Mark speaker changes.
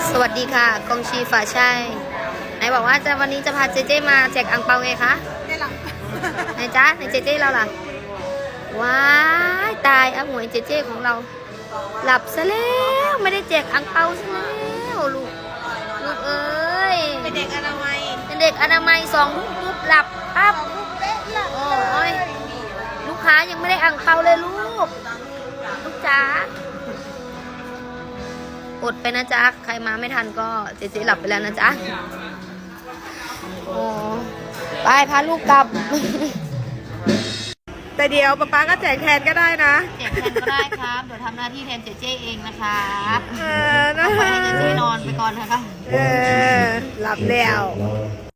Speaker 1: สวัสดีค่ะกองชีฝ่าชัยไหนบอกว่าวันนี้จะพาเจเจมาแจกอังเปาไงคะไหนจ๊ะไหนเจเจเราล่ะว้ายตายหมวยเจเจของเราหลับซะแล้วไม่ได้แจกอังเปาซะแล้วลูกเอ้ย
Speaker 2: เป็นเด็กอนามัย
Speaker 1: 2 ทุ่มปุ๊บหลับปั๊บโอ้ยลูกค้ายังไม่ได้อังเปาเลยลูกจ๋าอดไปนะจ๊ะใครมาไม่ทันก็เจ๊หลับไปแล้วนะจ๊ะโอ้ไปพาลูกกลับ
Speaker 2: แต่เดี๋ยวป๊าก็แจกแทนก็ได้นะ
Speaker 1: แจกแทนก็ได้ครับเดี๋ยวทำหน้าที่แทนเจ๊เองนะครับ
Speaker 2: นะ
Speaker 1: ไปให้เจ๊นอนไปก่อนนะคะ
Speaker 2: หลับแล้ว